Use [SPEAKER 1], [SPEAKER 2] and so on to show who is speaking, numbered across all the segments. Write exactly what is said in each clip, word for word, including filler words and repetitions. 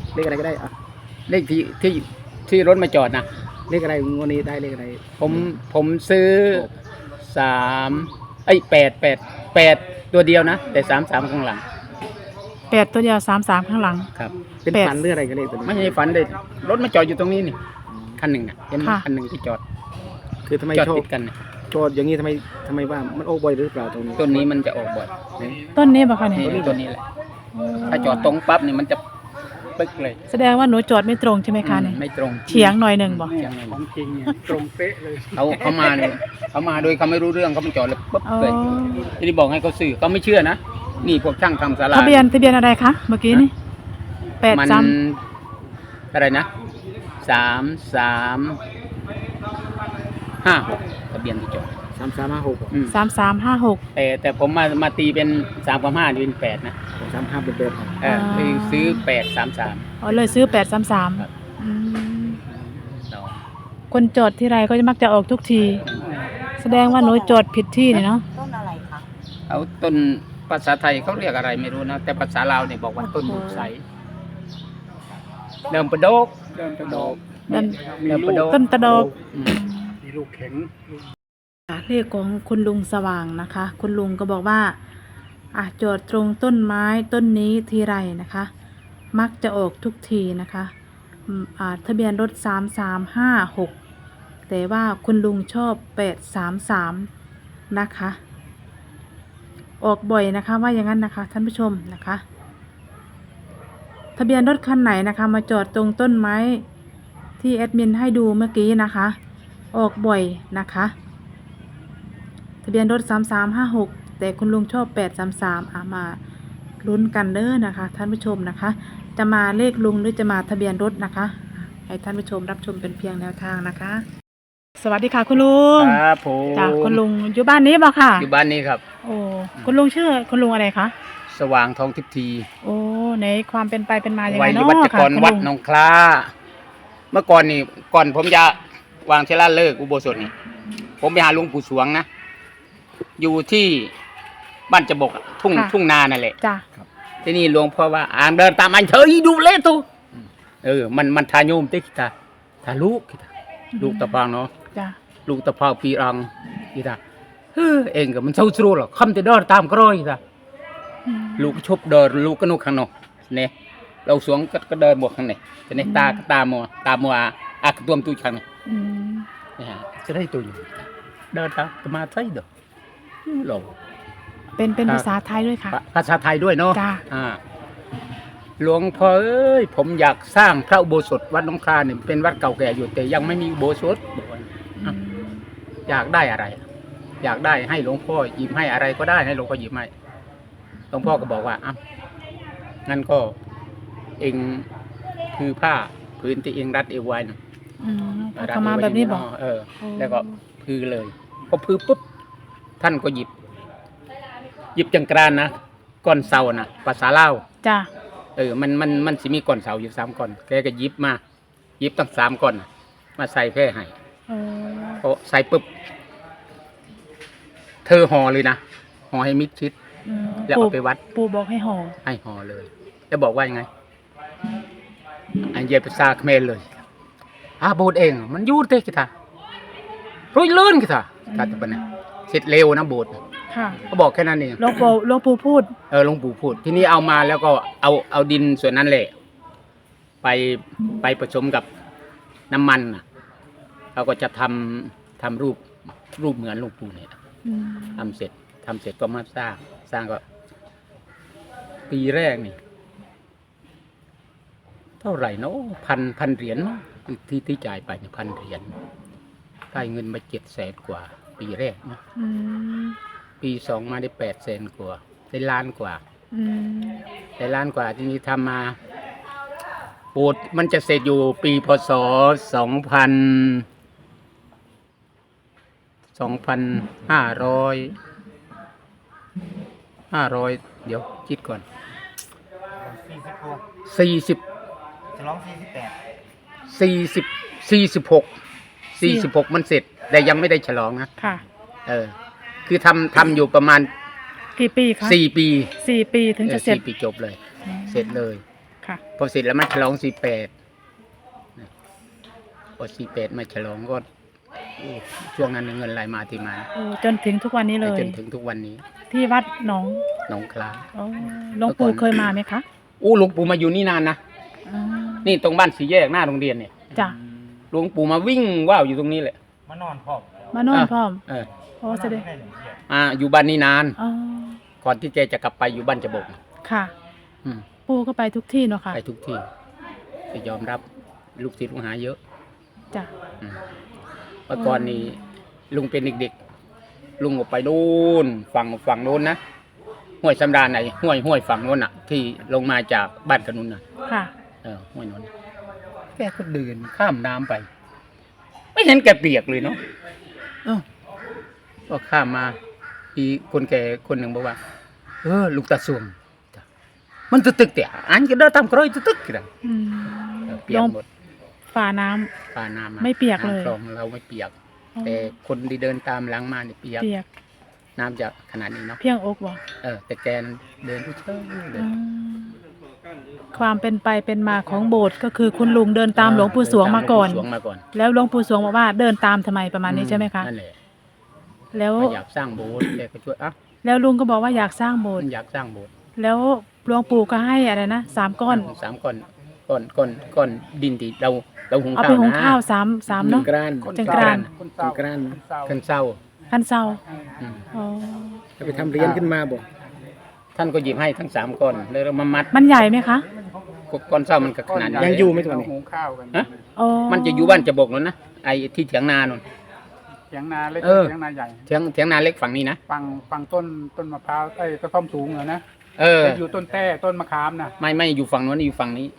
[SPEAKER 1] เลขอะไรก็ได้อ่ะ
[SPEAKER 2] เลขที่ที่ที่รถมาจอดนะ
[SPEAKER 1] เลขอะไรงวดนี้ได้เลขอะไร
[SPEAKER 2] ผมผมซื้อสามไอ้แปดแปดแปดตัวเดียวนะแต่สามสามข้างหลัง
[SPEAKER 3] แปดตัวเดียวสามสามข้างหลัง
[SPEAKER 2] ครับ
[SPEAKER 1] เป็น
[SPEAKER 3] แปด
[SPEAKER 1] ฝันหรืออะไรกันเลขตัวนี้
[SPEAKER 2] ไม่ใช่ฝันเลยรถมาจอดอยู่ตรงนี้นี่คันหนึ่งนะเห็นไหม
[SPEAKER 3] ค่ะ
[SPEAKER 2] คันหนึ่งที่จอด
[SPEAKER 1] คือทำไม
[SPEAKER 2] จอด
[SPEAKER 1] ชอบ
[SPEAKER 2] ติดกันน่ะ
[SPEAKER 1] โจทย์อย่างนี้ทำไมทำไมว่ามันโอ้บ่อยหรือเปล่าตรงนี้
[SPEAKER 2] ต้นนี้มันจะออกบ่อยนี่
[SPEAKER 3] ต้นนี้ป่ะคะเนี่ย
[SPEAKER 2] นี่ต้นนี้แหละถ้าจอดตรงปั๊บนี่มันจะปึ๊กเลย
[SPEAKER 3] แสดงว่าหนูจอดไม่ตรงใช่ไหมคะเนี่ย
[SPEAKER 2] ไม่ตรง
[SPEAKER 3] เฉียงหน่อยหนึ่งบอก
[SPEAKER 2] เฉียงหน่อย
[SPEAKER 1] ของจริงเนี่ยตรงเป๊ะเลย
[SPEAKER 2] เขาเขามาเนี่ยเขามาโดยเขาไม่รู้เรื่องเขามาจอดเลยปุ๊บ
[SPEAKER 3] อ๋อ
[SPEAKER 2] เลยทีนี้บอกให้เขาซื้อเขาไม่เชื่อนะนี่พวกช่างทำศาลา
[SPEAKER 3] ทะเบียนทะเบียนอะไรคะเมื่อกี้นี่แปด
[SPEAKER 2] มัน
[SPEAKER 3] สาม
[SPEAKER 2] อะไรนะสามสามห้าหกทะเบียนที่จอด
[SPEAKER 1] สามสามห้าหก
[SPEAKER 2] อืม
[SPEAKER 3] สามสามห้าหก
[SPEAKER 2] แต่แต่ผมมามาตีเป็นสามกับห้าเป็นแปดนะ
[SPEAKER 1] สามห้าเป็นเป๊ะ
[SPEAKER 2] เออคือซื้อแปดสามสาม
[SPEAKER 3] อ๋อเลยซื้อแปดสามสาม
[SPEAKER 2] ครับ
[SPEAKER 3] คนจอดที่ไรก็จะมักจะออกทุกที แสดงว่าหนูจอดผิดที่เนี่ยเนาะ
[SPEAKER 4] ต้นอะไรคะ
[SPEAKER 2] เอาต้นภาษาไทยเขาเรียกอะไรไม่รู้นะแต่ภาษาลาวเนี่ยบอกว่าต้นบุกใสเดิมประโดกเดิมประโดก
[SPEAKER 3] เดิน
[SPEAKER 2] เดิมประโดก
[SPEAKER 3] ต้นตะดอก
[SPEAKER 2] อืม
[SPEAKER 1] มีลูกแข็ง
[SPEAKER 3] เลขของคุณลุงสว่างนะคะ คุณลุงก็บอกว่าอ่ะจอดตรงต้นไม้ต้นนี้ทีไรนะคะ มักจะออกทุกทีนะคะอืมอ่าทะเบียนรถสามสามห้าหกแต่ว่าคุณลุงชอบแปดสามสามนะคะ ออกบ่อยนะคะว่าอย่างนั้นนะคะท่านผู้ชมนะคะ ทะเบียนรถคันไหนนะคะ มาจอดตรงต้นไม้ที่แอดมินให้ดูเมื่อกี้นะคะ ออกบ่อยนะคะ ทะเบียนรถสามสามห้าหกแต่คุณลุงชอบแปดสามสามอ่ะมาลุ้นกันเด้อนะคะ ท่านผู้ชมนะคะ จะมาเลขลุงหรือจะมาทะเบียนรถนะคะ ให้ท่านผู้ชมรับชมเป็นเพียงแนวทางนะคะ สวัสดีค่ะคุณลุง
[SPEAKER 2] ครับผม
[SPEAKER 3] จ้ะคุณลุงอยู่บ้านนี้บ่ค่ะ
[SPEAKER 2] อยู่บ้านนี้ครับ
[SPEAKER 3] โอ้คุณลุงชื่อคุณลุงอะไรคะ
[SPEAKER 2] สว่างทองทิพย์ที
[SPEAKER 3] โอ้ในความเป็นไปเป็นมายังไง
[SPEAKER 2] วัย
[SPEAKER 3] เนาะ
[SPEAKER 2] วัจก
[SPEAKER 3] ค่ะ
[SPEAKER 2] ร
[SPEAKER 3] คุณ
[SPEAKER 2] วัด
[SPEAKER 3] ลุง
[SPEAKER 2] หนองคล้า เมื่อก่อนนี่ก่อนผมจะวางเชลาเลิกอุโบสถนี่ผมไปหาหลวงปู่สวงนะอยู่ที่บ้านจะบกอะทุ่งทุ่งนานั่นแหละ
[SPEAKER 3] จ้ะ
[SPEAKER 2] ที่นี่หลวงพ่อว่าอ่างเดินตามอันเฉยดูเละตูเออมันมันทาโยมติ๊กตาทาลูกคิดาลูกตะพางเนาะ
[SPEAKER 3] จ้ะ
[SPEAKER 2] ลูกตะพางปีรังคิดาเฮ้อเองก็มันเศร้าสู้หรอกคำจะเดินตามกร้อยคิดา
[SPEAKER 3] อืม
[SPEAKER 2] ลูกชบเดินลูกก็นุกข้างนอกเนี่ยเราสวงก็ก็เดินบวกข้างในแต่ในตาก็ตามัวตามัวอากตัวมตุยข้างใน
[SPEAKER 3] อืม
[SPEAKER 2] เนี่ยฮะจะได้ตัวอยู่เดินตามตมาใช่เด้อหลง
[SPEAKER 3] เป็นเป็น
[SPEAKER 2] ครับ
[SPEAKER 3] ภาษาไทยด้วยค่ะ
[SPEAKER 2] ภาษาไทยด้วยเนาะ
[SPEAKER 3] จ้ะ
[SPEAKER 2] อ่าหลวงพ่อเอ้ยผมอยากสร้างพระอุโบสถวัดหนองคลาเนี่ยเป็นวัดเก่าแก่อยู่แต่ยังไม่มีอุโบสถบอกว่า
[SPEAKER 3] อืม
[SPEAKER 2] อยากได้อะไร อยากได้ให้หลวงพ่อหยิบให้อะไรก็ได้ให้หลวงพ่อหยิบให้หลวงพ่อก็บอกว่าอ่ะงั้นก็เองคือผ้าพื้นที่เองรัดเอวไว้นะ
[SPEAKER 3] อืมเอาเข้ามาแบบนี้บอก
[SPEAKER 2] เออ แล้วก็พือเลยพอพือปุ๊บท่านก็หยิบ หยิบจังกรานนะก้อนเสานะภาษาลาว
[SPEAKER 3] จ้ะ
[SPEAKER 2] เออมันมันมันสิมีก้อนเสาอยู่สามก้อนแกก็หยิบมาหยิบตั้งสามก้อนน่ะมาใส่แพร่ให้
[SPEAKER 3] เออ
[SPEAKER 2] พอใส่ปุ๊บเธอห่อเลยนะห่อให้มิดชิด
[SPEAKER 3] อืม
[SPEAKER 2] แล้วเอาไปวัด
[SPEAKER 3] ปู่บอกให้ห่อ
[SPEAKER 2] ให้ห่อเลยแล้วบอกว่ายังไงอันเย็บภาษาเขมรเลยอาโบดเอง มันยูดเตกิตารุ่ยเลื่อนกิตาการจะเป็นเสร็จเร็วนะโบด
[SPEAKER 3] ค่ะ
[SPEAKER 2] ก็บอกแค่นั้นเอง
[SPEAKER 3] หลวงปู่หลวงปู่พูด
[SPEAKER 2] เออหลวงปู่พูดที่นี่เอามาแล้วก็เอาเอาดินส่วนนั้นแหละ ไปไปผสมกับน้ำมันน่ะเราก็จะทำทำรูปรูปเหมือนหลวงปู่เนี่ย
[SPEAKER 3] อืม
[SPEAKER 2] ทำเสร็จทำเสร็จก็มาสร้าง สร้างก็ ปีแรกนี่ เท่าไหร่เนาะพันพันเหรียญเนาะที่ที่จ่ายไปเนี่ยพันเหรียญได้เงินมาเจ็ดแสนกว่า ปีแรกเนาะ
[SPEAKER 3] อืม
[SPEAKER 2] ปีสองมาได้แปดแสนกว่าได้ล้านกว่า
[SPEAKER 3] อืม
[SPEAKER 2] ได้ล้านกว่าที่นี้ทำมาโบสถ์มันจะเสร็จอยู่ปีพศสองพันสองพันห้าร้อยห้าร้อยเดี๋ยวคิดก่อน
[SPEAKER 1] สี่สิบหก
[SPEAKER 2] สี่สิบ
[SPEAKER 1] จะร้องสี่สิบแปด
[SPEAKER 2] สี่สิบสี่สิบหกสี่สิบหกมันเสร็จ แต่ยังไม่ได้ฉลองนะ
[SPEAKER 3] ค่ะ
[SPEAKER 2] เออ คือทำทำอยู่ประมาณ
[SPEAKER 3] กี่ปีคะ
[SPEAKER 2] สี่ปี
[SPEAKER 3] สี่ปีถึง
[SPEAKER 2] เอ
[SPEAKER 3] จะ
[SPEAKER 2] อ
[SPEAKER 3] เสร็จ
[SPEAKER 2] สี่ปีจบเลย เสร็จเลย
[SPEAKER 3] ค่ะ
[SPEAKER 2] พอเสร็จแล้วมาฉลองสี่แปดพอสี่แปดมาฉลองก็โอ้ช่วงนั้นเงินไหลมาที่มา
[SPEAKER 3] โอ้จนถึงทุกวันนี้เลย
[SPEAKER 2] จนถึงทุกวันนี้
[SPEAKER 3] ที่วัดหนอง
[SPEAKER 2] หนองคลา
[SPEAKER 3] โอ้หลวงปู่เคยมาไหมคะ
[SPEAKER 2] อู้หลวงปู่มาอยู่นี่นานนะ
[SPEAKER 3] อ๋อ
[SPEAKER 2] นี่ตรงบ้านสีแยกหน้าโรงเรียนเนี่ย
[SPEAKER 3] จ้ะ
[SPEAKER 2] หลวงปู่มาวิ่งว่าวอยู่ตรงนี้แหละ
[SPEAKER 1] มานอนพร้อม
[SPEAKER 3] มานอนพร้อม
[SPEAKER 2] เออ
[SPEAKER 3] โอ้แสดง
[SPEAKER 2] อ่าอยู่บ้านนี้นาน
[SPEAKER 3] อ๋อ
[SPEAKER 2] ก่อนที่แกจะกลับไปอยู่บ้านจะบก
[SPEAKER 3] ค่ะ
[SPEAKER 2] อืม
[SPEAKER 3] ปู่ก็ไปทุกที่เนาะค่ะ
[SPEAKER 2] ไปทุกที่จะยอมรับลูกศิษย์ลูกหาเยอะ
[SPEAKER 3] จ้ะ
[SPEAKER 2] อืมเมื่อก่อนนี้ลุงเป็นเด็กๆลุงออกไปนู่นฝั่งฝั่งโน้นนะห้วยสำราญไหนห้วยห้วยฝั่งโน้นอ่ะ ที่ลงมาจากบ้านขนุนน่ะ
[SPEAKER 3] ค่ะ
[SPEAKER 2] เออห้วยโน้นแกก็เดินข้ามน้ำไป ไม่เห็นแกเปียกเลยเนาะเอ้าก็ข้ามมาอีคนแก่คนหนึ่งบอกว่า เออลุงตาสวงจ้ะมันตึกๆแต่อันก็เดินตามกรอยตึกๆกัน
[SPEAKER 3] อืม
[SPEAKER 2] เออเปีย
[SPEAKER 3] ล
[SPEAKER 2] ก
[SPEAKER 3] ง
[SPEAKER 2] หมด
[SPEAKER 3] ฝ่าน้ำ
[SPEAKER 2] ปลาน้ำา
[SPEAKER 3] ไม่เปียกเลย
[SPEAKER 2] น้ำคลองเราไม่เปียก
[SPEAKER 3] อ๋อ
[SPEAKER 2] แต่คนที่เดินตามหลังมาเนี่ยเปียก
[SPEAKER 3] เปียก
[SPEAKER 2] น้ำจะขนาดนี้เนาะ
[SPEAKER 3] เพียงอกบ่
[SPEAKER 2] เออแต่แกนเดินทุกเช้าเล
[SPEAKER 3] อื
[SPEAKER 2] ย
[SPEAKER 3] มความเป็นไปเป็นมาของโบสถ์ก็คือคุณลุงเดินตามหลวงปู่สวงมาก่อน
[SPEAKER 2] หลวงปู่สวงมาก่อน
[SPEAKER 3] แล้วหลวงปู่สวงบอกว่าเดินตามทำไมประมาณนี้ใช่ไหมคะ
[SPEAKER 2] นั่นแหละ
[SPEAKER 3] แล้ว
[SPEAKER 2] อยากสร้างโบสถ์แกก็ช่วยอ่ะ
[SPEAKER 3] แล้วลุงก็บอกว่าอยากสร้างโบสถ์
[SPEAKER 2] อยากสร้างโบสถ์
[SPEAKER 3] แล้วหลวงปู่ก็ให้อะไรนะสามก้อน
[SPEAKER 2] สามก้อนก้อนก้อนก้อนดินที่เราเราหุง
[SPEAKER 3] เอา
[SPEAKER 2] ข้า
[SPEAKER 3] ไป
[SPEAKER 2] ว
[SPEAKER 3] หุง
[SPEAKER 2] นะ
[SPEAKER 3] ข้าวสามสามเนาะ
[SPEAKER 1] กราน
[SPEAKER 3] จังกราน
[SPEAKER 1] จังกราน
[SPEAKER 2] ขึ้นเศร้า
[SPEAKER 3] พันเซา
[SPEAKER 2] อืม
[SPEAKER 3] อ๋อ
[SPEAKER 1] จะไปทำเหรียญขึ้นมาบ่
[SPEAKER 2] ท่านก็หยิบให้ทั้งสามก้อนแล้วเรามามัด
[SPEAKER 3] มันใหญ่ไหมคะ
[SPEAKER 2] ก้อนเศร้ามันก็ขนาดนี้
[SPEAKER 1] ยังอยู่ไหมตัวนี้
[SPEAKER 4] หุงข้าวกัน
[SPEAKER 2] ฮะ
[SPEAKER 3] อ๋อ
[SPEAKER 2] มันจะอยู่บ้านจะบกแล้วนะไอ้ที่เถียงนาโนน
[SPEAKER 4] เถียงนาเล็ก
[SPEAKER 2] เออ
[SPEAKER 4] เถียงนาใหญ่
[SPEAKER 2] เถียงเถียงนาเล็กฝั่งนี้นะ
[SPEAKER 4] ฟังฟังต้นต้นมะพร้าวไอ้กระท่อมสูงเหรอนะ
[SPEAKER 2] เออ
[SPEAKER 4] แต่อยู่ต้นแต้ต้นมะขามนะ
[SPEAKER 2] ไม่ไม่อยู่ฝั่งโน้นอยู่ฝั่งนี้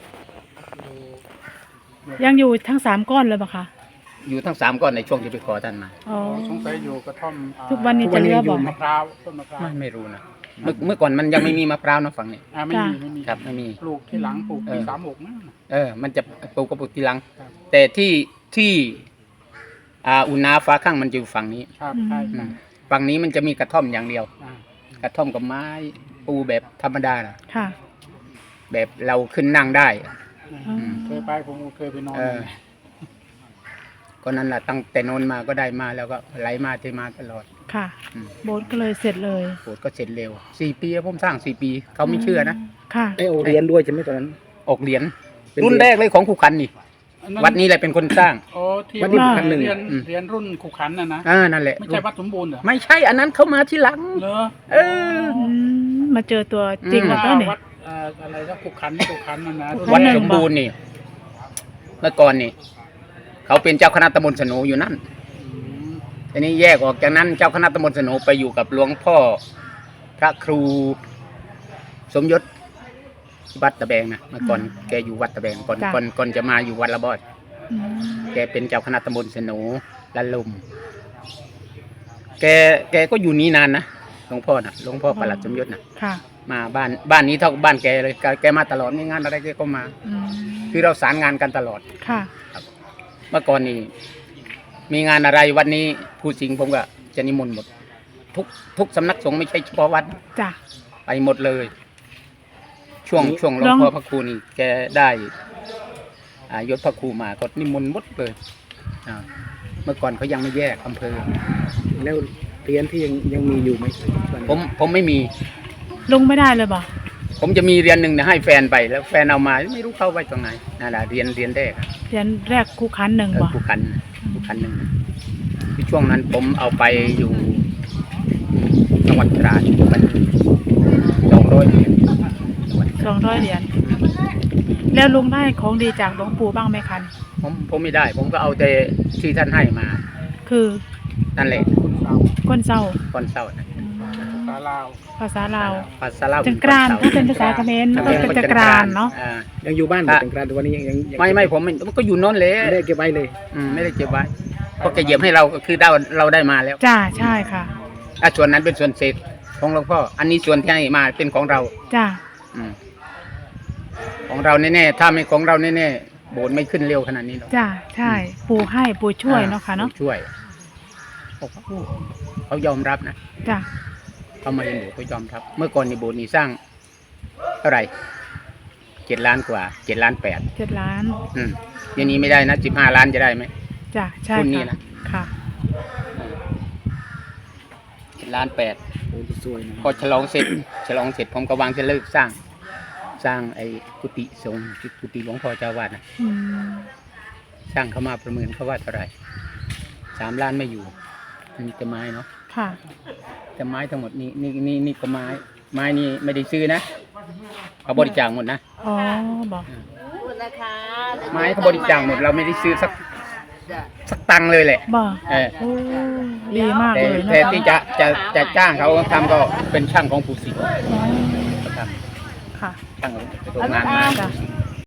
[SPEAKER 3] ยังอยู่ทั้งสามก้อนเลยปะคะ
[SPEAKER 2] อยู่ทั้งสามก้อนในช่วงที่ไปขอท่านมา
[SPEAKER 3] อ๋อ
[SPEAKER 4] สงสัยอยู่กระท่อมอ่า
[SPEAKER 3] ทุกวันนี้จะเหลือบอก
[SPEAKER 4] มะพร้าวต้นมะพร้าว
[SPEAKER 2] ไม่ไม่รู้นะเมื่อเมื่อก่อนมันยังไม่มีมะพร้าวนะฝั่งนี้
[SPEAKER 4] อ่าไม่มีไม่มี
[SPEAKER 2] ครับไม่มี
[SPEAKER 4] ปลูกที่หลังปลูก
[SPEAKER 2] เอ
[SPEAKER 4] ปี
[SPEAKER 2] อ
[SPEAKER 4] สามหกนะ
[SPEAKER 2] เออ มันจะปลูกกระปุกทีหลัง
[SPEAKER 4] ครับ
[SPEAKER 2] แต่ที่ที่อ่าอุณนาฟ้าข้างมันจะอยู่ฝั่งนี้
[SPEAKER 4] ครับใช่
[SPEAKER 2] อื
[SPEAKER 4] ใช่
[SPEAKER 2] มฝั่งนี้มันจะมีกระท่อมอย่างเดียว
[SPEAKER 4] อ่าก
[SPEAKER 2] ระท่อมกับไม้ปูแบบธรรมดานะ
[SPEAKER 3] ค่ะ
[SPEAKER 2] แบบเราขึ้นนั่งได้
[SPEAKER 3] อืม
[SPEAKER 4] เคยไปผมเคยไปนอน
[SPEAKER 2] เออ ก็นั่นแหละตั้งแต่โนนมาก็ได้มาแล้วก็ไหลมาเทมาตลอด
[SPEAKER 3] ค่ะ
[SPEAKER 2] อืม
[SPEAKER 3] โบสถ์ก็เลยเสร็จเลย
[SPEAKER 2] โบสถ์ก็เสร็จเร็วสี่ปีผมสร้างสี่ปี เขาไม่เชื่อนะ
[SPEAKER 3] ค่ะ
[SPEAKER 1] ไอโอเหรียญด้วยใช่ไหมตอนนั้น
[SPEAKER 2] ออกเหรียญ
[SPEAKER 1] เป็น
[SPEAKER 2] รุ่นแรกเลยของครูขันนี่
[SPEAKER 4] อันนั้น
[SPEAKER 2] วัดนี้แหละเป็นคนสร้าง
[SPEAKER 4] โอ้ที่
[SPEAKER 1] วัดนี้
[SPEAKER 4] ว่า
[SPEAKER 1] พันหนึ่ง
[SPEAKER 4] เรียน
[SPEAKER 2] อืม
[SPEAKER 4] เรียนรุ่นขุขันน่ะนะ
[SPEAKER 2] อ่านั่นแหละ
[SPEAKER 4] ไม่ใช่วัดสมบูรณ์เหรอ
[SPEAKER 2] ไม่ใช่อันนั้นเขามาที่หลัง
[SPEAKER 4] เหรอ
[SPEAKER 2] เออ
[SPEAKER 3] อืมมาเจอตัวจริง
[SPEAKER 2] อืม
[SPEAKER 3] แล้วก็เนี่ย
[SPEAKER 4] วัดเอ่ออะไรนะขุขันขุขันน่ะนะ
[SPEAKER 3] ขุขั
[SPEAKER 2] วัด
[SPEAKER 3] นหนึ่ง
[SPEAKER 2] สมบูรณ์นี่ เมื่อก่อนนี่ เขาเป็นเจ้าคณะตำบลสนูอยู่นั่น
[SPEAKER 4] อืม
[SPEAKER 2] ทีนี้แยกออกจากนั้น เจ้าคณะตำบลสนูไปอยู่กับหลวงพ่อ พระครู สมยศวัดตะแบงนะเมื่อก่อนแกอยู่วัดตะแบงก่อน
[SPEAKER 3] จ้ะ
[SPEAKER 2] ก่อนก่อนจะมาอยู่วัดละบอด
[SPEAKER 3] อืม
[SPEAKER 2] แกเป็นเจ้าคณะตำบลสนูละลุม แกแกก็อยู่นี่นานนะหลวงพ่อนะหลวงพ่อประหลัดสมยศนะ
[SPEAKER 3] ค่ะ
[SPEAKER 2] มาบ้านบ้านนี้เท่ากับบ้านแกเลยแกแกมาตลอดมีงานอะไรแกก็มา
[SPEAKER 3] อืม
[SPEAKER 2] คือเราสารงานกันตลอด
[SPEAKER 3] ค่ะ
[SPEAKER 2] เมื่อก่อนนี้มีงานอะไรวันนี้ผู้สิงห์ผมก็จะนิมนต์หมด ทุกทุกสำนักสงฆ์ไม่ใช่เฉพาะวัด
[SPEAKER 3] จ้ะ
[SPEAKER 2] ไปหมดเลย ช่วงช่วงหลวง
[SPEAKER 3] ลอง
[SPEAKER 2] พ่อพระครูนี่แกได้อายศพระครูมาก็นิมนต์หมดเลยอ่าเมื่อก่อนเขายังไม่แยกอำเภอ
[SPEAKER 1] แล้วเหรียญที่ยังยังมีอยู่ไหมตอนนั้น
[SPEAKER 2] ผมผมไม่มี
[SPEAKER 3] ลงไม่ได้เลยบ่
[SPEAKER 2] ผมจะมีเรียนหนึ่งเนี่ยให้แฟนไปแล้วแฟนเอามาไม่รู้เข้าไว้ตรงไหนนั่นแหละเรียนเรียนแรกอะ
[SPEAKER 3] เรียนแรกคู่คันหนึ่ง
[SPEAKER 2] เออ
[SPEAKER 3] บ่
[SPEAKER 2] ผู้คันผู้คันหนึ่งที่ช่วงนั้นผมเอาไปอยู่จังหวัดตราดมันสองร้อยเหรียญจังหวัด
[SPEAKER 3] สองร้อยเหรียญแล้วลุงได้ของดีจากหลวงปู่บ้างไหมคัน
[SPEAKER 2] ผมผมไม่ได้ ผมก็เอาแต่ที่ท่านให้มา
[SPEAKER 3] คือ
[SPEAKER 2] นั่นแหละ
[SPEAKER 4] คุณสาว
[SPEAKER 3] ก้นเศร้า
[SPEAKER 2] ก้อนเศร้านะ
[SPEAKER 3] อืม
[SPEAKER 4] สาลาว
[SPEAKER 3] ภาษาลาว
[SPEAKER 2] ภาษาลาว
[SPEAKER 3] จังกรานถ้าเป็นภาษาเขมรมันก็เป็นจังกรานเนาะ
[SPEAKER 2] อ่
[SPEAKER 1] ยังอยู่บ้านอยู่จังกรานแต่วันนี้ยังยังยัง
[SPEAKER 2] ไม่ไม่ผมไม่มันก็อยู่โน้นเลย
[SPEAKER 1] ไม่ได้เก็บไว้เลย
[SPEAKER 2] อืมไม่ได้เก็บไว้เพราะแกเหยียบให้เราก็คือเราเราได้มาแล้ว
[SPEAKER 3] จ้าใช่ค่ะ
[SPEAKER 2] อ่ะส่วนนั้นเป็นส่วนเศษของหลวงพ่ออันนี้ส่วนที่ให้มาเป็นของเรา
[SPEAKER 3] จ้า
[SPEAKER 2] อืมของเราแน่ๆถ้าไม่ของเราแน่ๆโบสถ์ไม่ขึ้นเร็วขนาดนี้หรอก
[SPEAKER 3] จ้าใช่ปู่ให้ปู่ช่วยเนาะค่ะเนาะ
[SPEAKER 2] ปู่ช่วยเขาเขายอมรับนะ
[SPEAKER 3] จ้า
[SPEAKER 2] เขามาเรียนโบสถ์เขายอมรับ เมื่อก่อนในโบสถ์นี่สร้างเท่าไหร่เจ็ดล้านกว่าเจ็ดล้านแปด
[SPEAKER 3] เจ็ดล้าน
[SPEAKER 2] อืมอย่างนี้ไม่ได้นะสิบห้าล้านจะได้ไหม
[SPEAKER 3] จ้ะใช่
[SPEAKER 2] รุ่นนี้
[SPEAKER 3] ค่ะ
[SPEAKER 2] นะ
[SPEAKER 3] ค่ะ
[SPEAKER 2] เจ็ดล้านแปด
[SPEAKER 1] โอ้จะสวยนะ
[SPEAKER 2] พอฉลองเสร็จ ฉลองเสร็จผมก็วางจะเลิกสร้าง สร้างไอ้กุฏิสงฆ์กุฏิหลวงพ่อเจ้าวาดนะ
[SPEAKER 3] อืม
[SPEAKER 2] ช่างเขามาประเมินเขาว่าเท่าไหร่สามล้านไม่อยู่มีแต่ไม้เนาะ
[SPEAKER 3] ค่ะ
[SPEAKER 2] แต่ไม้ทั้งหมดนี่นี่นี่นี่ก็ไม้ไม้นี่ไม่ได้ซื้อนะเขาบริจาคหมดนะ
[SPEAKER 3] อ๋อบอก
[SPEAKER 2] ไม้เขาบริจาคหมดเราไม่ได้ซื้อสักสักตังค์เลยแหละ
[SPEAKER 3] บอก
[SPEAKER 2] เออ
[SPEAKER 3] โอ้ดีมาก
[SPEAKER 2] แต่
[SPEAKER 3] เลยนะ
[SPEAKER 2] แต่
[SPEAKER 3] คะ
[SPEAKER 2] ที่จะจะจะจ้างเขาทำก็เป็นช่างของปู่ศรี
[SPEAKER 3] อ๋อ
[SPEAKER 2] เขาท
[SPEAKER 3] ค่ะ
[SPEAKER 2] ำช่างโรงงานมา
[SPEAKER 3] จ้ะ